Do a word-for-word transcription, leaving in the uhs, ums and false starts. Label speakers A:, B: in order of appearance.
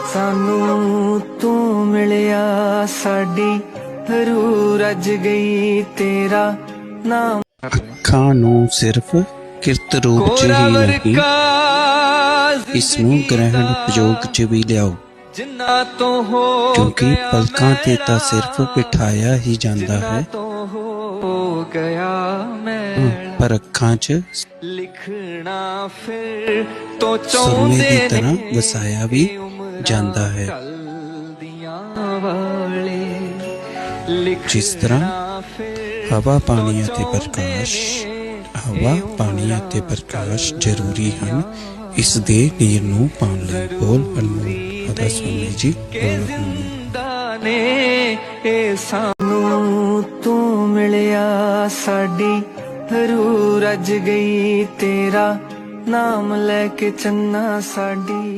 A: ਸਾਨੂੰ ਤੂੰ ਮਿਲਿਆ ਸਾਡੀ ਰੂਹ ਰੱਜ ਗਈ ਤੇਰਾ ਨਾਮ।
B: ਅੱਖਾਂ ਨੂੰ ਸਿਰਫ ਕਿਰਤ ਰੂਪ ਚ ਹੀ ਨਹੀਂ, ਇਸ ਨੂੰ ਗ੍ਰਹਿਣ ਉਪਯੋਗ ਚ ਵੀ ਲਿਆਓ, ਕਿਉਂਕਿ ਪਲਕਾਂ ਤੇ ਤਾਂ ਸਿਰਫ ਬਿਠਾਇਆ ਹੀ ਜਾਂਦਾ ਹੈ, ਪਰ ਅੱਖਾਂ ਚ ਸੁਰਮੇ ਦੀ ਤਰ੍ਹਾਂ ਵਸਾਇਆ ਵੀ ਜਾਂਦਾ ਹੈ। ਜਿਸ ਤਰ੍ਹਾਂ ਹਵਾ ਪਾਣੀ ਅਤੇ ਪ੍ਰਕਾਸ਼ ਹਵਾ ਪਾਣੀ ਅਤੇ ਪ੍ਰਕਾਸ਼ ਜ਼ਰੂਰੀ ਹਨ ਇਸ ਦੇ ਨੀਰ ਨੂੰ ਪਾਉਣ ਲਈ। ਬੋਲ ਹਨੂਮਾਨ ਅਦਾ ਸੁਣੀ ਜੀ।
A: ਸਾਨੂੰ ਤੂੰ ਮਿਲਿਆ ਸਾਡੀ ਰੂਹ ਰੱਜ ਗਈ ਤੇਰਾ ਨਾਮ ਲੈ ਕੇ ਚੰਨਾ ਸਾਡੀ।